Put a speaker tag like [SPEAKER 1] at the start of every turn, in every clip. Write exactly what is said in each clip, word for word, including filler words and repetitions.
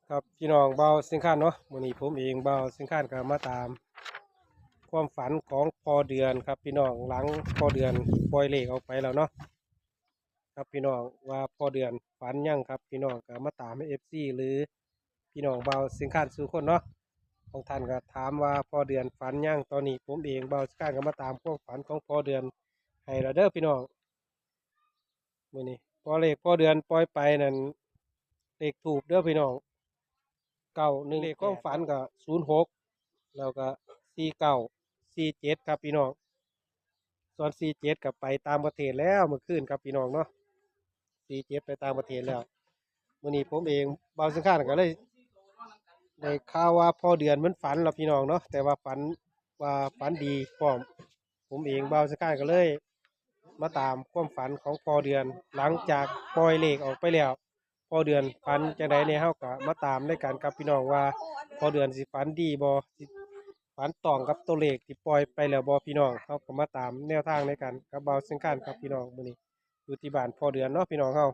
[SPEAKER 1] ครับพี่น้องเบาสิงค้านเนาะวันนี้ผมเองเบาสิงค้านก็มาตามความฝันของพอเดือนครับพี่น้องหลังพอเดือนปล่อยเลขออกไปแล้วเนาะครับพี่น้องว่าพอเดือนฝันยังครับพี่น้องก็มาตามให้เอฟซีหรือพี่น้องเบาสิงค้านสู่คนเนาะบางท่านก็ถามว่าพอเดือนฝันยังตอนนี้ผมเองเบาสิงค้านก็มาตามความฝันของพอเดือนให้เราเด้อพี่น้องวันนี้พอเลขพอเดือนปล่อยไปนั่นเลขถูกเด้อพี่น้อง เก้าหนึ่งเลขความฝันก็ศูนย์หกแล้วก็สี่เก้าสี่เจ็ดครับพี่น้องส่วนสี่เจ็ดกับไปตามประเทศแล้วเมื่อคืนครับพี่น้องเนาะสี่เจ็ดไปตามประเทศแล้ววันนี้ผมเองบางสังขารก็เลยได้ข่าวว่าพอเดือนมันฝันแล้วพี่น้องเนาะแต่ว่าฝันว่าฝันดีพร้อมผมเองบางสังขารก็เลยมาตามความฝันของพอเดือนหลังจากปล่อยเลขออกไปแล้ว พอเดือนฝันจังไดเนี่ยเฮาก็มาตามในการกับพี่น้องว่าพอเดือนสิฝันดีบ่สิฝันตรงกับตัวเลขที่ปล่อยไปแล้วบ่พี่น้องเฮาก็มาตามแนวทางในการกับเบาสังการครับพี่น้องมื้อนี้อยู่ที่บ้านพอเดือนเนาะพี่น้องเฮา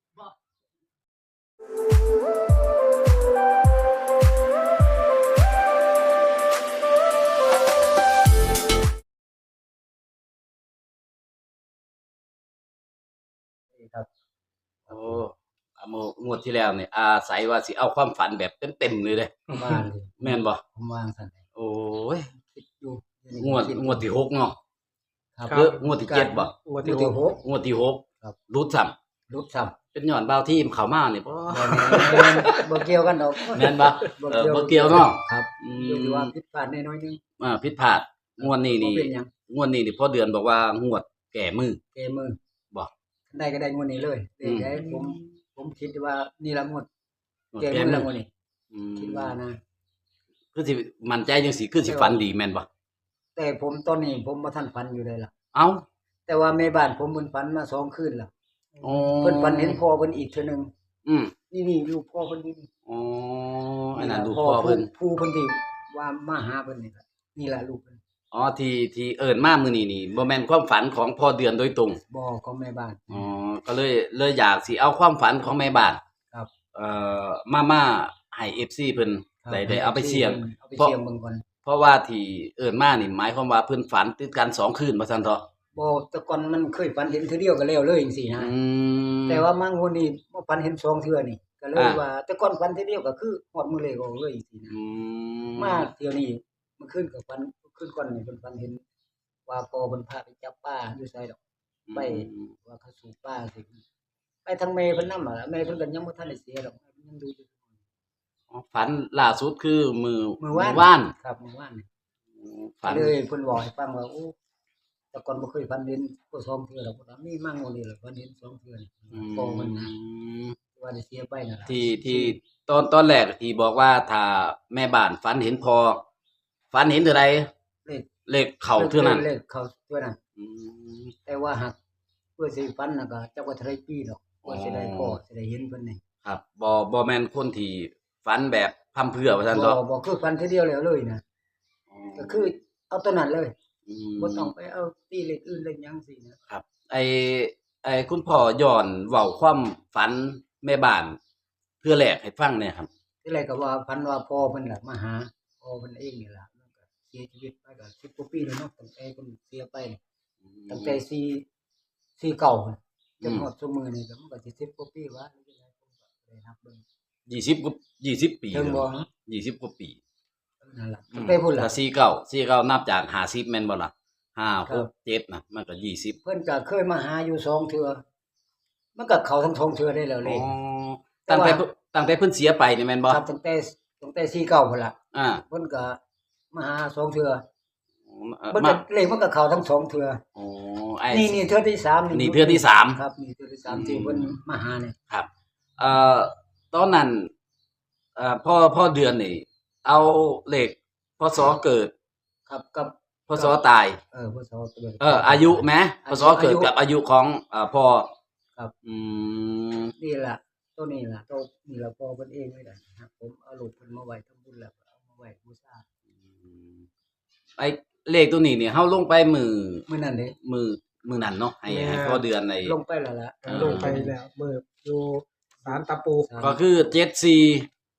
[SPEAKER 2] ครับ
[SPEAKER 3] โอ้อาโมงวดที่แล้วเนี่ยอาศัยว่าสิเอาความฝันแบบเต็มๆเลยเด้
[SPEAKER 2] ผมว่างสิ
[SPEAKER 3] แม่นบ่
[SPEAKER 2] ผมว่างซั่นแหละ
[SPEAKER 3] โอ้ย
[SPEAKER 2] คิดอยู่
[SPEAKER 3] งวดงวดที่หกเนาะ
[SPEAKER 2] ครับ
[SPEAKER 3] หรืองวดที่เจ็ดบ่
[SPEAKER 1] งวด
[SPEAKER 2] ที่
[SPEAKER 1] ที่
[SPEAKER 2] ห
[SPEAKER 1] ห
[SPEAKER 2] ก
[SPEAKER 1] ก
[SPEAKER 3] งวดที่หก
[SPEAKER 2] ครับ
[SPEAKER 3] รุดซ้ำ
[SPEAKER 2] รุดซ้ำ
[SPEAKER 3] เป็นย้อนเบาที่เข้ามานี่บ่
[SPEAKER 2] บ่แม่นบ่เกี่ยวกันดอก
[SPEAKER 3] แม่นบ่เออบ่เกี่ยวเนาะ
[SPEAKER 2] ครับ
[SPEAKER 3] อื
[SPEAKER 2] อยู่ที่ว่าม ผิดพลาดน้อยๆนึง
[SPEAKER 3] อ่าผิดพลาดงวดนี้
[SPEAKER 2] บ่
[SPEAKER 3] นี่
[SPEAKER 2] เป็นหยัง
[SPEAKER 3] งวดนี้นี่พอเดือนบอกว่างวดแก่มือ
[SPEAKER 2] เกมมือ
[SPEAKER 3] บ่
[SPEAKER 2] คันได้ก็ได้งวดนี้เลย
[SPEAKER 3] อืม
[SPEAKER 2] ได้ผมผมคิดว่านี่ละงวด
[SPEAKER 3] งวด
[SPEAKER 2] เกม
[SPEAKER 3] แก่
[SPEAKER 2] มือ
[SPEAKER 3] มื
[SPEAKER 2] ละ
[SPEAKER 3] อง
[SPEAKER 2] วดนี้
[SPEAKER 3] อืม
[SPEAKER 2] คิดว่านะ
[SPEAKER 3] คือสิมั่นใจจังซี่คือสิฝันดีแม่นบ่
[SPEAKER 2] แต่ผมตอนนี้ผมบ่ทันฝันอยู่เลยล่ะ
[SPEAKER 3] เอ้า
[SPEAKER 2] แต่ว่าแม่บ้านผมเพิ่นฝันมาสองคืนแล้ว
[SPEAKER 3] อ๋อ
[SPEAKER 2] เพิ่นฝันเห็นพ่อเพิ่นอีกเทื่อนึง
[SPEAKER 3] อืม
[SPEAKER 2] นี่ๆลูกพ่อเพิ่นนี่
[SPEAKER 3] อ๋ออันนั้นดูพ่อเพิ่น
[SPEAKER 2] ผู้เพิ่นที่ว่ามาหาเพิ่นนี่ล่ะนี่ล่ะลูกเพิ่น
[SPEAKER 3] อ๋อที่ที่เอิ้นมามื้อนี้นี่บ่แม่นความฝันของพ่อเดือนโดยตรง
[SPEAKER 2] บ่ของแม่บ้าน
[SPEAKER 3] อ๋อก็เลยเลยอยากสิเอาความฝันของแม่บ้าน
[SPEAKER 2] ครับ
[SPEAKER 3] เอ่อมามาให้ เอฟ ซี เพิ่น
[SPEAKER 2] ครับ
[SPEAKER 3] ได้ได้เอาไปเสี่ยง
[SPEAKER 2] เอาไปเสี่ยงเบิ่งก่อน
[SPEAKER 3] เพราะว่าที่เอิ้นมานี่หมายความว่าเพิ่นฝันติดกันสองคืนว่าซั่นเถาะ
[SPEAKER 2] บ่แต่ก่อนมันเคยฝันเห็นเทื่อเดียวก็แล้วเลยจังซี่นะ
[SPEAKER 3] อืม
[SPEAKER 2] แต่ว่ามางวดนี้บ่ฝันเห็นสองเทื่อนี่ก็เลย
[SPEAKER 3] อ่า
[SPEAKER 2] ว่า แต่ก่อนฝันเทื่อเดียวก็คือฮอดมื้อเลขออกเลยจังซี่นะ
[SPEAKER 3] อืม
[SPEAKER 2] มาเที่ยวนี้เมื่อคืนก็ฝันเมื่อคืนก่อนนี่เพิ่นฝันเห็นว่าพ่อเพิ่นพาไปจับปลาอยู่ไสดอก ไปว่าเขาสูบปลาสิไปทางแม่เพิ่นนำอะล่ะแม่เพิ่นก็ยังบ่ทันได้เสียดอกยังดูอยู่
[SPEAKER 3] อ๋อฝันล่าสุดคือมือ
[SPEAKER 2] มื้อวาน
[SPEAKER 3] วาน
[SPEAKER 2] ครับมื้อวานนี่
[SPEAKER 3] อืมฝัน
[SPEAKER 2] เลยเพิ่นบอกให้ฟังว่าโอ้แต่ก่อนบ่เคยฝันเห็นก็สองเทื่อดอกว่ามีมางวดนี้ล่ะฝันเห็นสองเทื่อนี่
[SPEAKER 3] อื
[SPEAKER 2] พ่อเพิ่นนะ
[SPEAKER 3] ม
[SPEAKER 2] ว่าได้เสียไปนั่นล่ะ
[SPEAKER 3] ที่ที่ตอนตอนแรกที่บอกว่าถ้าแม่บ้านฝันเห็นพอฝันเห็นเท่าใด
[SPEAKER 2] เลข
[SPEAKER 3] เลขเข้าเท่านั้น
[SPEAKER 2] เลขเข้าเท่านั้น
[SPEAKER 3] อืม
[SPEAKER 2] แต่ว่าหากเพื่อสิฝันน่ะก็จักว่าเท่าไรปีดอกว่าสิได้พ่อสิได้เห็นเพิ่นนี่
[SPEAKER 3] ครับบ่บ่แม่นคนที่ฝันแบบพร่ำเพรื่อว่าซั่น
[SPEAKER 2] บ่
[SPEAKER 3] เถาะ
[SPEAKER 2] บ่คือฝันทีเดียวแล้วเลยนะก็คือเอาตัวนั้นเลย
[SPEAKER 3] ม
[SPEAKER 2] บ่ต้องไปเอาตีเลขอื่นเลขหยังสินะครับ
[SPEAKER 3] ไอ้ไอ้คุณพ่อย้อนเว้าความฝันแม่บ้านเทื่อแรกให้ฟังหน่อยครับ
[SPEAKER 2] ที่แรกก็ว่าฝันว่าพ่อเพิ่นล่ะมาหาพ่อเพิ่นเองนี่ล่ะมันก็เสียชีวิตไปก็สิบกว่าปีแล้วเนาะตั้งแต่เพิ่นเสียไปตั้งแต่สี่ สี่เก้าพุ่นจนฮอดซุมื้อนี้ก็มันก็สิสิบกว่าปีวะหรือจังไดผมก็บ่ได้นับเบิ่ง
[SPEAKER 3] ยี่สิบกว่ายี่สิบปี
[SPEAKER 2] ถึงบ่
[SPEAKER 3] ยี่สิบกว่าปี
[SPEAKER 2] นั่นล่ะตั้งแต่พุ่นล่ะ
[SPEAKER 3] ถ้าสี่สิบเก้า สี่สิบเก้านับจากห้าสิบแม่นบ่ล่ะห้า
[SPEAKER 2] ครั
[SPEAKER 3] ห
[SPEAKER 2] บ
[SPEAKER 3] ก เจ็ดน่ะมันก็ยี่สิบ
[SPEAKER 2] เพิ่นก็เคยมาหาอยู่สองเทื่อมันก็เข้าทั้งสองเทื่อได้แล้วเล
[SPEAKER 3] อ๋อ
[SPEAKER 2] ข
[SPEAKER 3] ตั้งแต่
[SPEAKER 2] แต่ว่า
[SPEAKER 3] ตั้งแต่เพิ่นเสียไปนี่แม่นบ่
[SPEAKER 2] ครับตั้งแต่ตั้งแต่สี่เก้าพุ่นล่ะ
[SPEAKER 3] อ่า
[SPEAKER 2] เพิ่นก็มาหาสองเทื่อ
[SPEAKER 3] เอ่อ
[SPEAKER 2] มัน
[SPEAKER 3] มา
[SPEAKER 2] ก็เลขมันก็เข้าทั้งสองเทื่อ
[SPEAKER 3] อ๋อไอ้
[SPEAKER 2] นี่นี่เทื่อที่สาม
[SPEAKER 3] นี่เทื่อที่สาม
[SPEAKER 2] ครับนี่เทื่อที่สามที่เพิ่นมาหาเนี่ย
[SPEAKER 3] ครับเอ่อตอนนั้นเอ่อพ่อพ่อเดือนนี่ เอาเลขพศเกิด
[SPEAKER 2] ครับกับ
[SPEAKER 3] พศตาย
[SPEAKER 2] เออพศเกิด
[SPEAKER 3] เอออายุไหมพ
[SPEAKER 2] อายุ
[SPEAKER 3] ศเกิดกับอายุของเอ่อพ่อ
[SPEAKER 2] ครับ
[SPEAKER 3] อืม
[SPEAKER 2] นี่ล่ะตัวนี้ล่ะตัวนี่ล่ะพ่อเพิ่นเองนี่แหละครับผมเอารูปเพิ่นมาไว้ทำบุญแล้วก็เอามาไว้บูชา
[SPEAKER 3] ไอ้เลขตัวนี้เนี่ยเฮาลงไปมือ
[SPEAKER 2] มื้อนั้นเด้
[SPEAKER 3] มือมือนั้นเนาะให้ให้พ่อเดือนใน
[SPEAKER 2] ลงไปแล้วล่ะ
[SPEAKER 3] เออ
[SPEAKER 1] ลงไปแล้วเมื่ออยู่ศาลตะปู
[SPEAKER 2] สาม
[SPEAKER 3] ก็คือเจ็ดสี่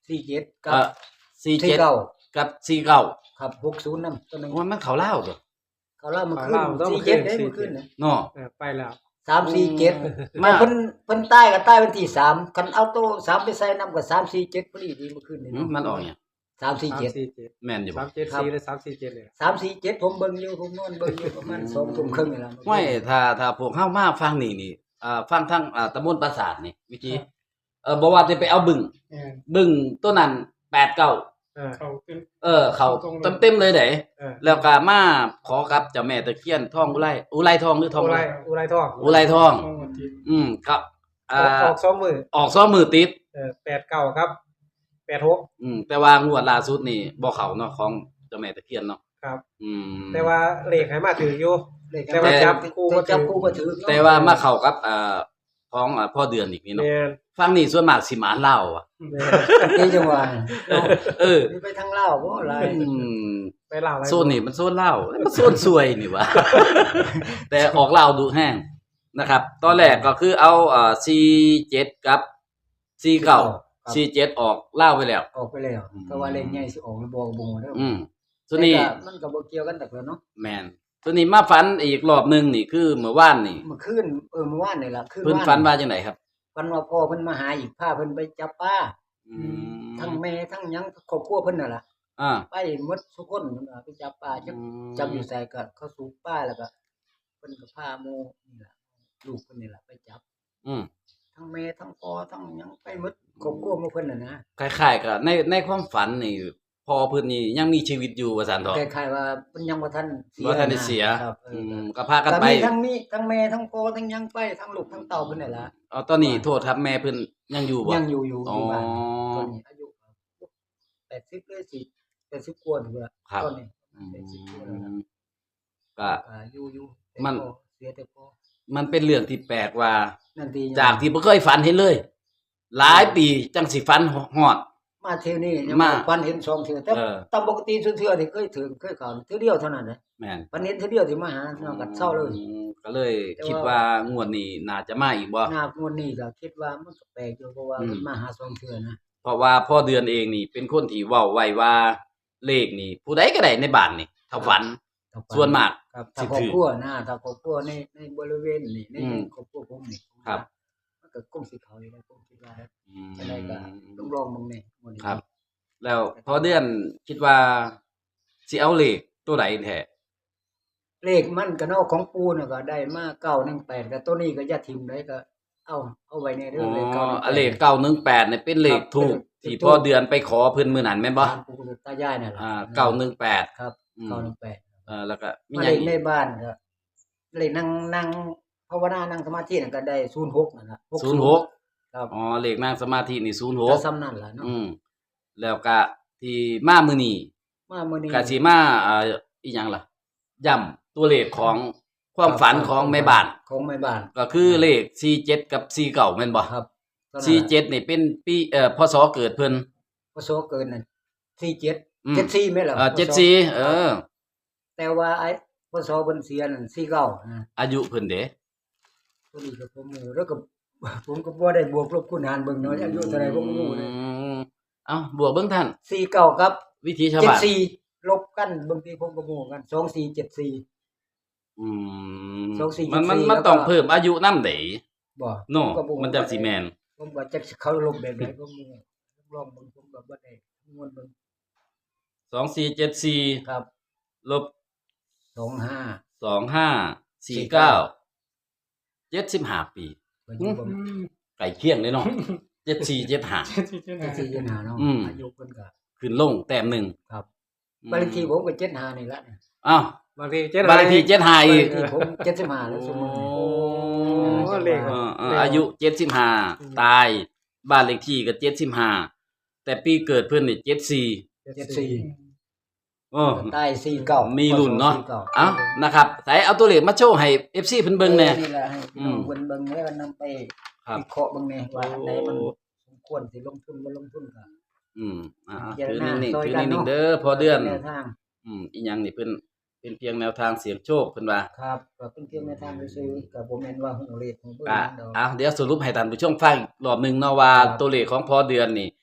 [SPEAKER 2] สี่เจ็ดกั
[SPEAKER 3] เอ่
[SPEAKER 2] บ
[SPEAKER 3] อสี่
[SPEAKER 2] สี่
[SPEAKER 3] เจ็ด
[SPEAKER 2] เก้า
[SPEAKER 3] กับสี่เก้า
[SPEAKER 2] ครับหกศูนย์นำตัวหนึง
[SPEAKER 3] ว่ามันเขาเล่าวตัว
[SPEAKER 2] เขาเล่ามาขึ้น
[SPEAKER 1] เขาเล่าต้อง
[SPEAKER 2] สี่
[SPEAKER 1] มาขึ้
[SPEAKER 2] เจ็ด
[SPEAKER 1] น
[SPEAKER 2] ได้
[SPEAKER 1] สี่
[SPEAKER 2] มาขึ้นนะ
[SPEAKER 3] เนาะ
[SPEAKER 1] เออไปแล้ว
[SPEAKER 2] สามสี่เจ็ด
[SPEAKER 3] มา
[SPEAKER 2] เพิ่นเพิ่นใต้ก็ใต้วันที่สามคันเอาโตสามไปใส่นำก็สามสี่เจ็ดพอดีดีมาขึ้นนี่
[SPEAKER 3] หืมมันออกเนี่ย
[SPEAKER 2] สามสี่
[SPEAKER 1] สาม
[SPEAKER 2] เจ็ด
[SPEAKER 1] สี่เจ็ด
[SPEAKER 3] แม่นอยู่
[SPEAKER 1] สา
[SPEAKER 3] บ่
[SPEAKER 1] มเจ็ด
[SPEAKER 2] ครับ
[SPEAKER 1] สี่หรือสามสี่เจ็ดเลย
[SPEAKER 2] สามสี่เจ็ดผมเบิ่งอยู่ผมนอนเบิ่งอยู่ประมาณสองทุ่มครึ่งนี่ล่ะ
[SPEAKER 3] ไม่ถ้าถ้าพวกเฮามาฟังนี่นี่อ่าฟังทั้งอ่าตำบลปราสาทนี่วิธีเออบ่ว่าจะไปเอาบึง
[SPEAKER 1] เออ
[SPEAKER 3] บึงตัวนั้นแปดเก้า
[SPEAKER 1] เออเขาขึ้น
[SPEAKER 3] เออ เขาเต็มๆเลยเด้
[SPEAKER 1] เออ
[SPEAKER 3] แล้วก็มาขอกับเจ้าแม่ตะเคียนทองอุไรอุไรทองหรือทอง
[SPEAKER 1] อุ
[SPEAKER 3] อุ
[SPEAKER 1] ไร
[SPEAKER 3] ไร
[SPEAKER 1] อุไรทอง
[SPEAKER 3] อุไรทอง
[SPEAKER 1] ทองทิพย์
[SPEAKER 3] อืมครับ
[SPEAKER 1] อ
[SPEAKER 3] อ่า
[SPEAKER 1] อกออกสองมือ
[SPEAKER 3] ออกซ้อมมือติด
[SPEAKER 1] เออแปดเก้าครับแปดหก
[SPEAKER 3] อืมแต่ว่างวดล่าสุดนี่บ่เข้าเนาะของเจ้าแม่ตะเคียนเนาะ
[SPEAKER 1] ครับ
[SPEAKER 3] อืม
[SPEAKER 1] แต่ว่าเลขให้มาถืออยู่
[SPEAKER 2] เลข
[SPEAKER 1] แต่ว่าจับคู่บ่
[SPEAKER 2] จับ
[SPEAKER 1] ถือ
[SPEAKER 2] คู่บ่ถือ
[SPEAKER 3] แต่ว่ามาเข้ากับอ่าของอ่าพ่อเดือนอีกนี่เนาะ
[SPEAKER 1] แม่น
[SPEAKER 3] ฟังนี่ส่วนมากสิหมาเล่าวอ่ะ
[SPEAKER 1] แม่น
[SPEAKER 2] นี่จังหวะ
[SPEAKER 3] เออ
[SPEAKER 2] นี่ไปทางลาวบ่หลาย
[SPEAKER 3] อืม
[SPEAKER 1] ไปเล่าอะไร
[SPEAKER 3] โซนนี่มันโซนเล่าวมันโซนซวยนี่วะ แต่ออกเล่าวดูแห้งนะครับ ตอนแรกก็คือเอาอ่าสี่เจ็ดกับสี่เก้าสี่เจ็ดออกเล่าวไปแล้ว
[SPEAKER 2] ออกไปแล้วแต่ว่าเลขใหญ่สิออกบ่บ่เด้อ
[SPEAKER 3] อืมส่วนนี้
[SPEAKER 2] แต่ก็มันก็บ่เกี่ยวกันแต่เนาะ
[SPEAKER 3] แมนส่วนนี้มาฝันอีกรอบหนึงนี่คือเมื่อวานนี่
[SPEAKER 2] เมื่อคืนเออเมื่อวานนี่ล่ะคืน
[SPEAKER 3] เพิ่น
[SPEAKER 2] วา
[SPEAKER 3] ฝันว่าจังไดครับ
[SPEAKER 2] ฝันว่าพ่อเพิ่นมาหาอีกพาเพิ่นไปจับปลา
[SPEAKER 3] อืม
[SPEAKER 2] ทั้งแม่ทั้งหยังครอบครัวเพิ่นน่ะล่ะ
[SPEAKER 3] อ่า
[SPEAKER 2] ไปหมดทุกคนเพิ่นว่าไปจับปลาจับจับอยู่ไสก็เขาสูบปลาแล้วก็เพิ่นก็พาหมู่นี่ล่ะลูกเพิ่นนี่ล่ะไปจับ
[SPEAKER 3] อืม
[SPEAKER 2] ทั้งแม่ทั้งพ่อทั้งหยังไปหมดครอบครัวหมู่เพิ่นน่ะนะ
[SPEAKER 3] คล้ายๆกับในในความฝันนี่พอเพิ่นนี่ยังมีชีวิตอยู่ว่าซั่นเถาะ
[SPEAKER 2] คล้ายๆว่าเพิ่นยังบ่ทันเสีย
[SPEAKER 3] บ่ทันได้เสีย
[SPEAKER 2] ครับเอ
[SPEAKER 3] อื
[SPEAKER 2] อ
[SPEAKER 3] มก็พากัน
[SPEAKER 2] ก็
[SPEAKER 3] ไป
[SPEAKER 2] มีทั้งมีทั้งแม่ทั้งพ่อทั้งหยังไปทั้งลูกทั้งเต้าเพิ่นนี่ล่ะ
[SPEAKER 3] เอาตอนนี้โทษครับแม่เพิ่นยังอยู่บ่
[SPEAKER 2] ยังอยู่อยู่อยู่บ้าน
[SPEAKER 3] อ๋อ
[SPEAKER 2] ตอนนี้อายุแปดสิบเลยสิแปดสิบกว่าถึงละ
[SPEAKER 3] ครับ
[SPEAKER 2] ตอนนี้
[SPEAKER 3] อื
[SPEAKER 2] แปดสิบกว่าแล้วนะ
[SPEAKER 3] มก็
[SPEAKER 2] อ่าอยู่อยู่แต่
[SPEAKER 3] มัน
[SPEAKER 2] พ่อเสียแต่พ่อ
[SPEAKER 3] มันเป็นเรื่องที่แปลกว่า
[SPEAKER 2] นั่นที
[SPEAKER 3] จากที่บ่เคยฝันเห็นเลย หลายปีจังสิฝันฮอด
[SPEAKER 2] มาเที่ยวนี้ยัง
[SPEAKER 3] มา
[SPEAKER 2] ปันเห็นสองเทื่อแต่
[SPEAKER 3] เออ
[SPEAKER 2] ตามปกติเทื่อๆที่เคยถึงเคยเข้าเทื่อเดียวเท่านั้นแหละ
[SPEAKER 3] แม่น
[SPEAKER 2] ปันเห็นเทื่อเดียวที่มาหาเนาะก็เศร้าเลย
[SPEAKER 3] อืมก็เลยคิดว่างวดนี้น่าจะมาอีกบ่
[SPEAKER 2] หน้างวดนี้ก็คิดว่ามันก็แปลกอยู่เพราะว่า
[SPEAKER 3] อืม
[SPEAKER 2] มันมาหาสองเทื่อนะ
[SPEAKER 3] เพราะว่าพ่อเดือนเองนี่เป็นคนที่เว้าไว้ว่าเลขนี่ ผู้ใดก็ได้ในบ้านนี่ถ้าฝัน
[SPEAKER 2] ถ้าปั
[SPEAKER 3] ส่วนมาก
[SPEAKER 2] ครับ
[SPEAKER 3] สิ
[SPEAKER 2] ถ้าครอ
[SPEAKER 3] ถื
[SPEAKER 2] บ
[SPEAKER 3] อ
[SPEAKER 2] ครัวนะถ้าครอบครัวในในบริเวณนี่ใน
[SPEAKER 3] อืม
[SPEAKER 2] ครอบครัวผมนี่
[SPEAKER 3] ครับ
[SPEAKER 2] มันก็คงสิเข้าอยู่แล้วผมคิดว่านะ
[SPEAKER 3] อืม
[SPEAKER 2] จะได้ก็ต้องลองมึงนี่มื้อนี้
[SPEAKER 3] ครับ แล้วพ่อเดือนคิดว่าสิเอาเลขตัวใดแท้
[SPEAKER 2] เลขมันก็เนาะของปูน่ะก็ได้มาเก้าหนึ่งแปดก็ตัวนี้ก็อย่าทิ่มได้ก็เอาเอาไว้ในเรื่
[SPEAKER 3] อ๋
[SPEAKER 2] องเลข
[SPEAKER 3] อ
[SPEAKER 2] เก้าหนึ่งแปด
[SPEAKER 3] อะเลขเก้าหนึ่งแปดเนี่ยเป็นเลขถูกที่พ่อเดือนไปขอเพิ่นมื้อนั้นแม่นบ่
[SPEAKER 2] บ้านปู่กับตายายนั่นแหละ
[SPEAKER 3] อ่าเก้าหนึ่งแปด
[SPEAKER 2] ครับ
[SPEAKER 3] อืม
[SPEAKER 2] เก้าหนึ่งแปด
[SPEAKER 3] เออแล้วก็มี
[SPEAKER 2] มา
[SPEAKER 3] ห
[SPEAKER 2] เล
[SPEAKER 3] ยัง
[SPEAKER 2] ขใน
[SPEAKER 3] อีก
[SPEAKER 2] บ้านก็เลขนั่งนั่งภาวนานั่งสมาธินั่นก็ได้ศูนย์หกนั่นล่ะ
[SPEAKER 3] ศูนย์หก
[SPEAKER 2] ครับ
[SPEAKER 3] อ๋อเลขนั่งสมาธินี่ศูนย์ห
[SPEAKER 2] ก็
[SPEAKER 3] ก
[SPEAKER 2] ซ้ำนั่นล่ะเนาะ
[SPEAKER 3] อืมแล้วก็ที่มามื้อนี้
[SPEAKER 2] มามื้อนี้
[SPEAKER 3] ก็สิมาอ่าอีหยังล่ะย้ำตัวเลขของความฝันของแม่บ้าน
[SPEAKER 2] ของแม่บ้าน
[SPEAKER 3] ก็คือเลขสี่เจ็ดกับสี่เก้าแม่นบ่
[SPEAKER 2] ครับ
[SPEAKER 3] สี่เจ็ดนี่เป็นปีเอ่อพศเกิดเพิ่น
[SPEAKER 2] พศเกินนั่นสี่เจ็ด
[SPEAKER 3] อืม
[SPEAKER 2] เจ็ดสี่แม่นล่ะ
[SPEAKER 3] เอ่อ
[SPEAKER 2] พศ
[SPEAKER 3] เจ็ดสี่เออ
[SPEAKER 2] แต่ว่าไอ้พศเพิ่นเสียนั่นสี่เก้านะ
[SPEAKER 3] อายุเพิ่นเด้
[SPEAKER 2] ตัวนี้ก็ผมรู้แล้วก็ ผมก็บ่ได้บวกลบคูณหารเบิ่งเนาะอายุเท่าไหร่ผมก็รู้เลย
[SPEAKER 3] อืมเอ้าบวกเบิ่งท่าน
[SPEAKER 2] สี่เก้ากับ
[SPEAKER 3] วิธีชาว
[SPEAKER 2] เจ็ด
[SPEAKER 3] บ้าน
[SPEAKER 2] สี่ลบกันบางทีผมก็รู้กันสองสี่เจ็ดสี่
[SPEAKER 3] อืม
[SPEAKER 2] สองสี่
[SPEAKER 3] มันมัน
[SPEAKER 2] เจ็ดสี่
[SPEAKER 3] มัน
[SPEAKER 2] แล้วก็
[SPEAKER 3] ต้องเพิ่มอายุนำเด้
[SPEAKER 2] บ่
[SPEAKER 3] เนาะ
[SPEAKER 2] ก็บ่
[SPEAKER 3] มันจังสิแม่น
[SPEAKER 2] ผมว่าจักสิเขาลบแบบไหนผมบ่ลองเบิ่งผมก็บ่ได้คำนวณเบิ่ง
[SPEAKER 3] สองสี่เจ็ดสี่
[SPEAKER 2] ครับ
[SPEAKER 3] ลบ
[SPEAKER 2] สองห้า
[SPEAKER 3] สองห้าสี่เก้าเจ็ดสิบห้าปี
[SPEAKER 2] ก็อยู่บ่
[SPEAKER 3] ไก่เคียงเลยเนาะเจ็ดสี่เจ็ดห้า
[SPEAKER 2] เจ็ดสี่เจ็ดห้าเนาะ
[SPEAKER 3] อืม
[SPEAKER 2] อายุเพิ่นก็
[SPEAKER 3] ขึ้นลงแต้มหนึ่ง
[SPEAKER 2] ครับ
[SPEAKER 3] อืม
[SPEAKER 2] บ้านเลขที่ผมก็เจ็ดห้านี่ละ
[SPEAKER 3] อ้าว
[SPEAKER 1] บางทีเจ็ด
[SPEAKER 3] บ้านเลขที่เจ็ดห้า
[SPEAKER 2] บ้าน
[SPEAKER 3] อี
[SPEAKER 2] เล
[SPEAKER 3] ก
[SPEAKER 2] ขที่ผมเจ็ดสิบห้าแล้วสมมุติ
[SPEAKER 3] โอ้
[SPEAKER 1] โอ้เลข
[SPEAKER 3] เอ
[SPEAKER 1] อะ
[SPEAKER 3] อเอออายุเจ็ดสิบห้าตาย บ้านเลขที่ก็เจ็ดสิบห้าแต่ปีเกิดเพิ่นนี่เจ็ดสี่
[SPEAKER 2] เจ็ดสี่
[SPEAKER 3] โอ้
[SPEAKER 2] ใต้สี่เก้า
[SPEAKER 3] มี
[SPEAKER 2] มี
[SPEAKER 3] รุ่นเนาะเอ้านะครับใส่เอาตัวเลขมาโชว์ให้ เอฟ ซี เพิ่นเบิ่งแหน่
[SPEAKER 2] นี่แหละให้พี่น้อง
[SPEAKER 3] อืม
[SPEAKER 2] เบิ่งเบิ่งแล้วก็นำไป
[SPEAKER 3] ครับ
[SPEAKER 2] วิเคราะห์เบิ่งแหน่ว่าอันใดมัน
[SPEAKER 3] โอ้
[SPEAKER 2] สมควรสิลงทุนบ่ลงทุนก็
[SPEAKER 3] อืมอ่า
[SPEAKER 2] พิจาร
[SPEAKER 3] ถือ
[SPEAKER 2] ณา
[SPEAKER 3] นิ่ง
[SPEAKER 2] ซ
[SPEAKER 3] ๆ
[SPEAKER 2] อย
[SPEAKER 3] ถือ
[SPEAKER 2] กัน
[SPEAKER 3] นิ่ง
[SPEAKER 2] เนาะ
[SPEAKER 3] ๆเด้อพอเดือน
[SPEAKER 2] แนวทาง
[SPEAKER 3] อืมอีหยังนี่เพิ่นเป็นเพียงแนวทางเสี่ยงโชคเพิ่นว่า
[SPEAKER 2] ครับก็เป็นเพียงแนวทางซื่อๆก็บ่แม่นว่าฮู้เลขฮู้เบิ่ง
[SPEAKER 3] อ่ะ
[SPEAKER 2] ดอก
[SPEAKER 3] อ่ะเดี๋ยวสรุปให้ท่านผู้ชมฟังอีกรอบหนึงเนาะว่า
[SPEAKER 2] ครับ
[SPEAKER 3] ตัวเลขของพอเดือนนี่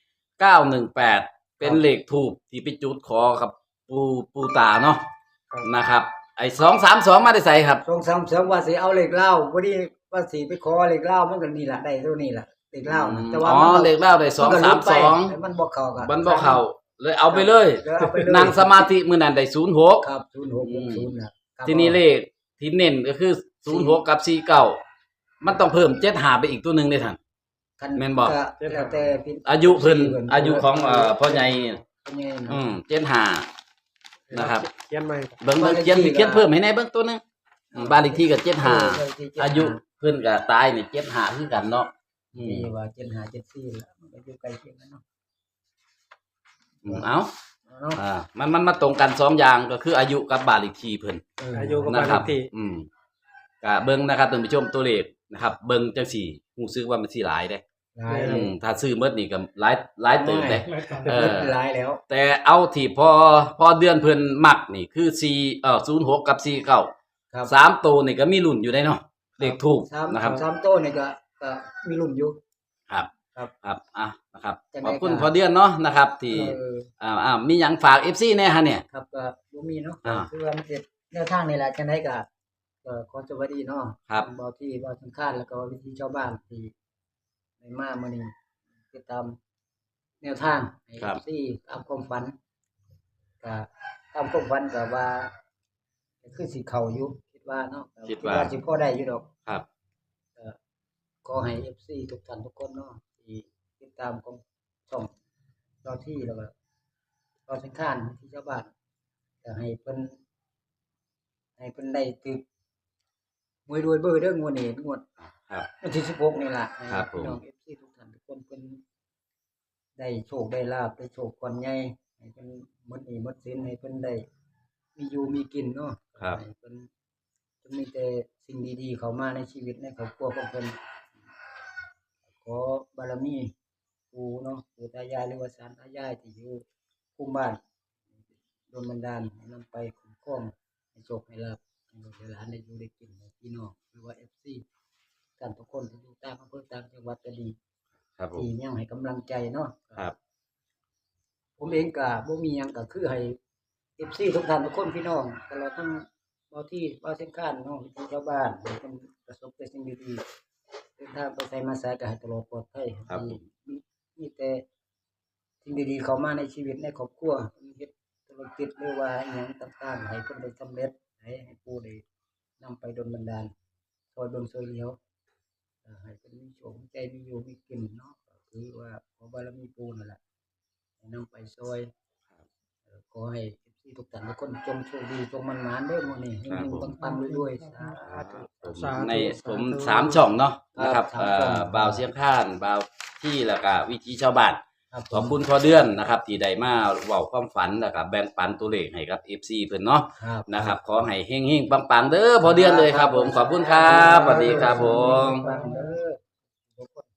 [SPEAKER 3] เก้าหนึ่งแปดเป็นเลขถูกที่ไปจุดขอกับปูปูตาเนาะ
[SPEAKER 1] ครับ
[SPEAKER 3] นะครับ ไอ้สองสามสองมาได้ใส่ครับ
[SPEAKER 2] สองสามสองว่าสิเอาเหล็กเหล้าพอดีว่าสิไปขอเหล็กเหล้ามันก็นี่ล่ะได้เท่านี้ล่ะเหล็กเหล้านะแต่ว่า
[SPEAKER 3] อ๋อ
[SPEAKER 2] มันก็
[SPEAKER 3] เลขเล่าได้สอง
[SPEAKER 2] นก็
[SPEAKER 3] สาม
[SPEAKER 2] หลุดไป
[SPEAKER 3] สอง
[SPEAKER 2] แต่มันบ่เข้ากัน
[SPEAKER 3] มันบ่เข้าเลยเอาไปเลย
[SPEAKER 2] แล้วเอาไปเลย
[SPEAKER 3] นั่งสมาธิมื้อนั้นได้ศูนย์หก
[SPEAKER 2] ครับศูนย์หกหกศูนย์นะครับ
[SPEAKER 3] ทีนี้เลขที่เน้นก็คือศูนย์หกกับสี่เก้ามันต้องเพิ่มเจ็ดหาไปอีกตัวหนึงได้ท่าน
[SPEAKER 2] คัน
[SPEAKER 3] แม่นบ่
[SPEAKER 2] แล้วแต่พี่
[SPEAKER 3] อายุเพิ่นอายุของเอ่อพ่อใหญ่นี่
[SPEAKER 2] พ่อใหญ่นะ
[SPEAKER 3] อืมเจ็ดหานะครับ
[SPEAKER 1] เขียนใหม่
[SPEAKER 3] เบิ่งเบิ่งเขียนเขียนเพิ่มให้ในเบิ่งตัวหนึงอืมบ้านเลขที่ก็เจ็ดหา
[SPEAKER 2] เออที่เจ็ดห้
[SPEAKER 3] อายุเพิ่นก็ตายนี่เจ็ดหาคือกันเนาะอืม
[SPEAKER 2] ที่ว่าเจ็ดห้าเจ็ดสี่ล่ะมันก็อยู่ใกล้เคียงกันเนาะ
[SPEAKER 3] อืมเอ้า
[SPEAKER 2] เนาะ
[SPEAKER 3] อ่ามันมันมาตรงกันสองอย่างก็คืออายุกับบ้านเลขที่เพิ่น
[SPEAKER 2] เออ
[SPEAKER 1] อายุกับ
[SPEAKER 3] นะ
[SPEAKER 1] บ้าน
[SPEAKER 3] ค
[SPEAKER 1] เล
[SPEAKER 3] รับ
[SPEAKER 1] ขที่
[SPEAKER 3] อืมก็เบิ่งนะครับท่านผู้ชมตัวเลขนะครับ เบิ่งจังสี่รู้สึกว่ามันสิหลายเด้
[SPEAKER 2] หลาย
[SPEAKER 3] อืมถ้าซื้อหมดนี่ก็หลายหลายเติบเด้ เออ
[SPEAKER 2] หลายแล้ว
[SPEAKER 3] แต่เอาที่พอพอเดือนเพิ่นมักนี่คือ4เอ่อศูนย์หกกับสี่เก้า
[SPEAKER 2] ครับ
[SPEAKER 3] สามตัวนี่ก็มีลุ้นอยู่ได้เนาะเลขถูก
[SPEAKER 2] สาม
[SPEAKER 3] นะครับ
[SPEAKER 2] สามโต้นี่ก็ก็มีรุ่นอยู่
[SPEAKER 3] ครับ
[SPEAKER 2] ครับ
[SPEAKER 3] ครับอ่ะนะครับ
[SPEAKER 2] จังได๋
[SPEAKER 3] ขอบคุณ
[SPEAKER 2] ก็
[SPEAKER 3] พอเดือนเนาะนะครับ ที่
[SPEAKER 2] เออ
[SPEAKER 3] อ่าอ่ามีหยังฝาก เอฟ ซี แน่ฮะเนี่ย
[SPEAKER 2] ครับก็บ่มีเนาะ
[SPEAKER 3] อ่า
[SPEAKER 2] คือว่ามันเสร็จแนวทางนี่แหละจังได๋ก็ก็ขอสวัสดีเนาะ
[SPEAKER 3] ครับ
[SPEAKER 2] บ่ที่บ่สำคัญแล้วก็วิธีชาวบ้านที่ได้มามื้อนี้ติดตามแนวทางให้
[SPEAKER 3] ครับ
[SPEAKER 2] ที่ตามความฝันก็ตามความฝันก็ว่าก็คือสิเข้าอยู่คิดว่าเนาะ
[SPEAKER 3] คิดว่า
[SPEAKER 2] สิพอได้อยู่ดอก
[SPEAKER 3] ครับ
[SPEAKER 2] ก็ขอให้ เอฟ ซี ทุกท่านทุกคนเนาะที่ติดตามของช่องเราที่แล้วก็เราสังขารที่ชาวบ้านก็ให้เพิ่นให้เพิ่นได้ตึกมวยรวยเบอร์เด้องวดนี้งวด
[SPEAKER 3] ครับ
[SPEAKER 2] วันที่สิบหกนี่ล่ะให้
[SPEAKER 3] ครับผม
[SPEAKER 2] พี่น้อง เอฟ ซี ทุกท่านทุกคนเพิ่นได้โชคได้ลาภได้โชคก่อนใหญ่ให้เพิ่นหมดหนี้หมดสินให้เพิ่นได้มีอยู่มีกินเนาะ
[SPEAKER 3] ครับ
[SPEAKER 2] ให้เพิ่นจะมีแต่สิ่งดีๆเข้ามาในชีวิตในครอบครัวของเพิ่น ขอบารมีปู่เนาะปู่ตายายหรือว่าศาลตายายที่อยู่คุ้มบ้านโดนบันดาลให้นำไปคุ้มครองให้โชคให้ลาภให้ลูกให้หลานได้อยู่ได้กินให้พี่น้องหรือว่า เอฟ ซี ท่านทุกคนที่อยู่ต่างอำเภอต่างจังหวัดก็ดี
[SPEAKER 3] ครับผม
[SPEAKER 2] ที่ยังให้กำลังใจเนาะ
[SPEAKER 3] ครับ
[SPEAKER 2] ผมเองก็บ่มีหยังก็คือให้ เอฟ ซี ทุกท่านทุกคนพี่น้องตลอดทั้งเบาที่เบาเส้นข้านเนาะที่ชาวบ้านให้เพิ่นประสบแต่สิ่งดีๆเดินทางไปไสมาไสก็ให้ตลอดปลอดภัย
[SPEAKER 3] ครับผม
[SPEAKER 2] มีมีแต่สิ่งดีๆเข้ามาในชีวิตในครอบครัวเฮ็ดธุรกิจหรือว่าอิหยังต่างๆให้เพิ่นได้สำเร็จให้ให้ผู้ได้นำไปดลบันดาลซอยเบิ่งซอยเหลียวเอ่อให้เพิ่นมีโชคมีใจมีอยู่มีกินเนาะก็คือว่าขอบารมีปู่นั่นแหละให้นำไปซอยเอ่อขอให้ เอฟ ซี ทุกท่านทุกคนจงโชคดีจงมั่นหมานเด้อมื้อนี้เฮ
[SPEAKER 3] ครับ
[SPEAKER 2] ง
[SPEAKER 3] ผม
[SPEAKER 2] ๆปังๆรวยๆสาธุ
[SPEAKER 3] ผม
[SPEAKER 1] สาธุ
[SPEAKER 3] ในผม
[SPEAKER 1] สาธุ
[SPEAKER 3] สามช่องเนาะนะครับ
[SPEAKER 2] ครับ
[SPEAKER 3] เอ่
[SPEAKER 2] สามช่อง
[SPEAKER 3] อบ่าวเสียงข้านบ่าวที่แล้วก็วิธีชาวบ้าน
[SPEAKER 2] ครับผม
[SPEAKER 3] ขอบคุณพอเดือนนะครับ ที่ได้มาเว้าความฝันแล้วก็แบ่งปันตัวเลขให้กับ เอฟ ซี เพิ่นเนาะ
[SPEAKER 2] ครับ
[SPEAKER 3] นะครับ ขอให้เฮงๆปังๆเด้อพอเดือนเลยครับผมขอบคุณครับสวัสดีครับผม
[SPEAKER 2] ปังๆเด้อทุกคน